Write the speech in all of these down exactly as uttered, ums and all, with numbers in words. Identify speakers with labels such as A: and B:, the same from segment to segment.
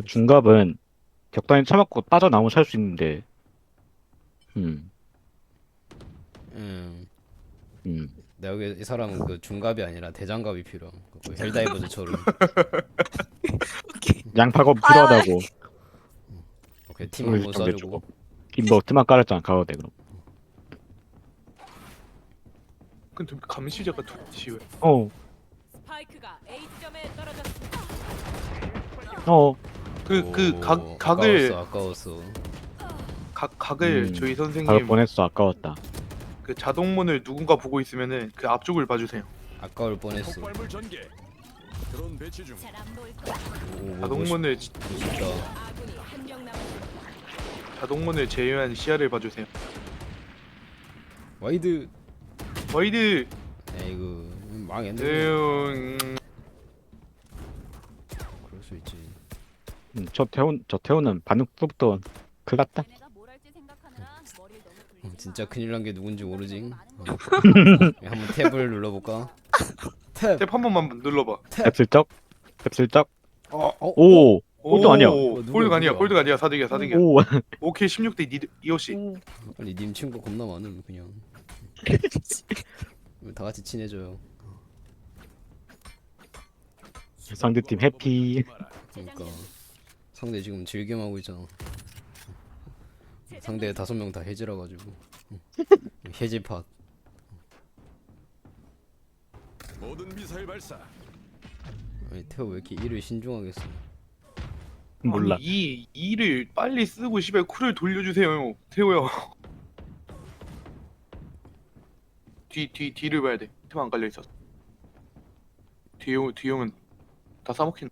A: 그 중갑은 적당히 처맞고 빠져나오면 살 수 있는데, 음,
B: 음,
A: 음.
B: 내가 여기 이 사람은 그 중갑이 아니라 대장갑이 필요함. 그 헬다이버즈처럼.
C: 오케이.
A: 양파가
C: 아유,
A: 필요하다고.
B: 오케이, 팀
A: 소리
B: 한번
A: 좀
B: 쏴주고.
A: 내주고. 김버 트만 깔았잖아, 가도 돼, 그럼.
D: 근데 감시자가 도대체 왜?
A: 어,
E: 스파이크가 A 지점에 떨어졌습니다.
A: 어,
D: 그 그 각
B: 오,
D: 각을
B: 아까웠어, 아까웠어.
D: 각 각을
A: 음,
D: 저희
A: 가을
D: 선생님
A: 뻔했어, 아까웠다.
D: 그 자동문을 누군가 보고 있으면은 그 앞쪽을 봐주세요.
B: 아까울 뻔했어.
F: 폭발물 전개. 드론 배치 중.
E: 잘안 보일 거야.
B: 오, 뭐
D: 자동문을
B: 멋있- 멋있다.
E: 아군이 한 명 남았습니다.
D: 자동문을 제외한 시야를 봐주세요.
B: 와이드.
D: 와이드.
B: 에이구, 망했네.
D: 음,
B: 그럴 수 있지.
A: 음, 저 태훈, 저 태훈은 반응 속부터 큰일 났다.
E: 얘네가 뭘 할지 생각하느라 머리를 너무
B: 어,
E: 굴리지
B: 진짜
E: 마.
B: 큰일 난 게 누군지 모르지.
E: 많은
B: 어.
E: 걸
B: 야, 한번 탭을 눌러볼까? 탭.
D: 탭 한 번만 눌러봐.
A: 앱슬쩍, 앱슬쩍.
B: 어, 어,
A: 오, 꼴등 아니야.
D: 오,
B: 누구야,
D: 꼴등 아니야.
B: 누구야?
D: 꼴등 아니야. 사득이야. 사득이야.
A: 오,
D: 오케이 십육 대 이호 씨.
B: 아니 님 친구 겁나 많음 그냥. 다 같이 친해져요.
A: 상대팀 해피.
B: 그러니까 상대 지금 즐겜하고 있잖아. 상대 다섯 명 다 해지라 가지고. 해지 팟.
F: 모든 미사일 발사.
B: 아니 태호 왜 이렇게 일을 신중하게 써?
A: 몰라.
D: 아니, 이 이를 빨리 쓰고 시발 쿨을 돌려주세요. 태호야. 뒤 뒤 뒤를 봐야 돼. 탭 안 깔려 있어. 뒤형 뒤형은 다 싸먹힌.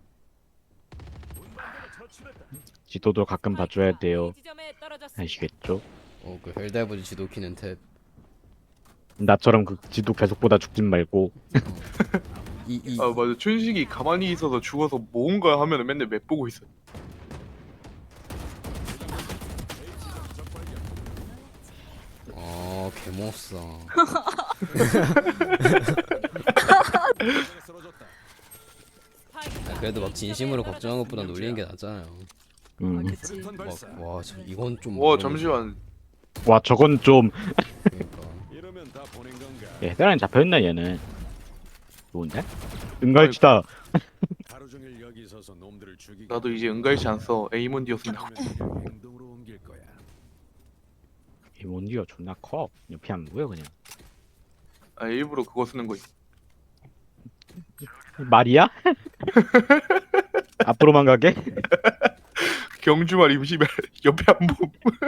A: 지도도 가끔 봐줘야 돼요.
E: A 지점에 떨어졌습니다.
A: 아시겠죠?
B: 어그 헬다이버즈 지도 키는 탭.
A: 나처럼 그 지도 계속 보다 죽진 말고.
B: 이이
D: 아 맞아. 춘식이 가만히 있어서 죽어서 뭔가 하면은 맨날 맵 보고 있어.
B: 아 개못싸.
F: 쓰러졌다.
E: 스파이크가
B: 그래도 막
E: A
B: 진심으로
E: 지점에
B: 걱정한 것보다 놀리는 게 낫잖아요.
A: 음.
C: 그치.
F: 수류탄 발사.
B: 와저 이건 좀.
D: 와
B: 너무-
D: 잠시만.
A: 와, 저건 좀.
B: 그러니까.
F: 이러면 다 보낸 건가?
A: 예, 헤드라인 잡혀있나, 얘는. 좋은데? 은갈치다.
F: 하루 종일 여기 서서 놈들을 죽이기.
D: 나도 이제 은갈치 안 써. 에이몬디였습니다.
F: 아니면 행동으로 옮길 거야.
A: 이 몬디가 존나 커. 옆에 안 보여, 그냥.
D: 아 일부러 그거 쓰는 거임.
A: 말이야? 앞으로만 가게?
D: 경주말 임시발 옆에 안 보.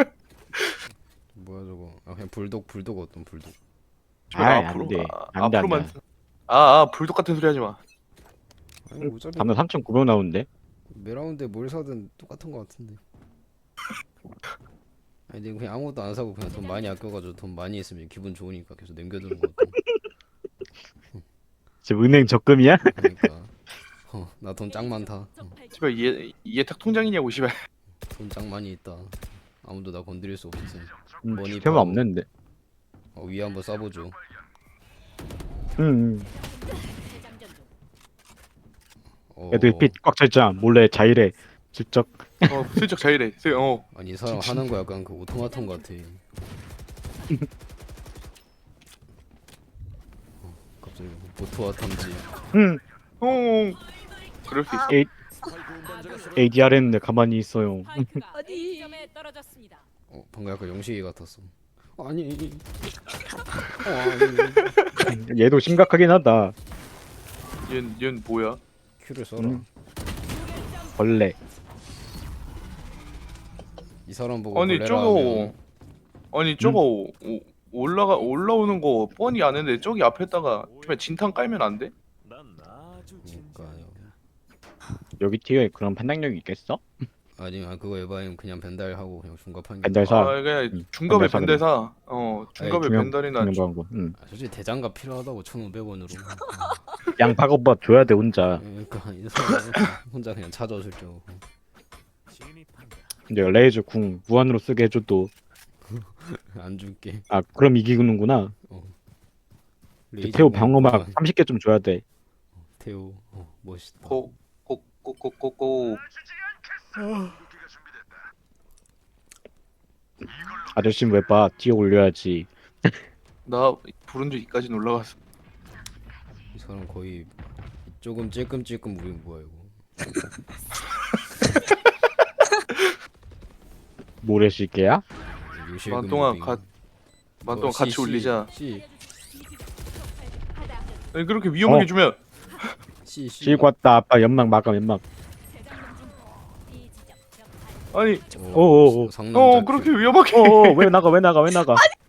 B: 뭐야 저거? 아 그냥 불독 불독 어떤 불독?
A: 아이,
D: 앞으로
A: 안 돼.
D: 아,
A: 안 돼, 안
D: 앞으로만.
A: 돼.
D: 아, 아 불독 같은 소리 하지 마.
B: 아니 어차피
A: 담당 삼천구백 나오는데?
B: 매라운드에 뭘 사든 똑같은 거 같은데. 아니 근데 그냥 아무것도 안 사고 그냥 돈 많이 아껴가지고 돈 많이 있으면 기분 좋으니까 계속 남겨두는 거 같아.
A: 지금 은행 적금이야?
B: 그러니까 어, 나 돈 짱 많다. 어,
D: 시발 얘 예탁 통장이냐고 시발.
B: 돈 짱 많이 있다. 아무도 나 건드릴 수 없어.
A: 음,
B: 머니
A: 필요가
B: 파워.
A: 없는데.
B: 어, 위에 한번 쏴보죠.
A: 응, 응.
E: 재장전 중.
B: 어,
A: 애들 핏 꽉 차있잖아. 몰래 자일해. 슬쩍.
D: 어 슬쩍 자이래. 슬- 어
B: 아니 이 사람 하는 거 약간 그 오토마톤 같아. 어, 갑자기 보트와 탐지.
A: 응.
D: 어. 그럴 수 있어.
A: 에이,
F: 스파이크 운반자가 쓰러.
A: 에이디알 했는데 가만히 있어요.
E: 스파이크가
C: 어디?
E: A 지점에 떨어졌습니다.
B: 어, 방금 약간 영식이 같았어. 아니. 어, 아니.
A: 얘도 심각하긴 하다.
D: 얘는 얘는 뭐야?
B: 큐를 써라.
A: 음. 벌레.
B: 이 사람 보고
D: 아니
B: 벌레라
D: 저거
B: 하면
D: 아니 저거 오, 올라가 올라오는 거 뻔히 아는데 저기 앞에다가 정말 진탕 깔면 안 돼?
F: 난 아주
B: 그러니까요.
A: 여기 티어에 그런 판단력이 있겠어?
B: 아니면 그거 에바임 그냥 벤달하고 그냥 중갑한 게.
A: 벤달 사.
D: 아 그냥
A: 응,
D: 중갑에
A: 벤달
D: 벤달사. 어 중갑에
A: 중요-
D: 벤달이나
A: 중요한 응.
B: 아, 솔직히 대장갑 필요하다고 천오백 원으로.
A: 양파가 오빠 줘야 돼 혼자.
B: 그러니까 이 사람 혼자 그냥 찾아줄 줄.
F: 진입한다.
A: 근데 레이저 궁 무한으로 쓰게 해줘도
B: 안 줄게.
A: 아 그럼 이기는구나.
B: 레이저
A: 태호
B: 공
A: 방어막
B: 무한.
A: 삼십 개 좀 줘야 돼.
B: 태호 어, 멋있다.
D: 고고고고고고
A: 아저씨 왜 봐? 뒤에 올려야지.
D: 나 브론즈 이까지는 올라갔어.
B: 이 사람 거의 조금 찔끔찔끔 우리 뭐야 이거.
A: 모래시계야?
B: 요실금
D: 만 동안
B: 무빙.
D: 가- 만
B: 어,
D: 동안
B: 씨,
D: 같이
B: 씨,
D: 올리자.
B: 씨,
D: 아니 그렇게 위험하게
A: 어.
D: 주면
B: 씨, 씨.
A: 실 왔다. 아빠 연막 막아 연막.
E: 재장전 중. B 지점 적 발.
D: 아니
B: 어,
A: 오오오.
B: 상남자
D: 어 그렇게 위험하게
A: 어왜 나가 왜 나가 왜 나가?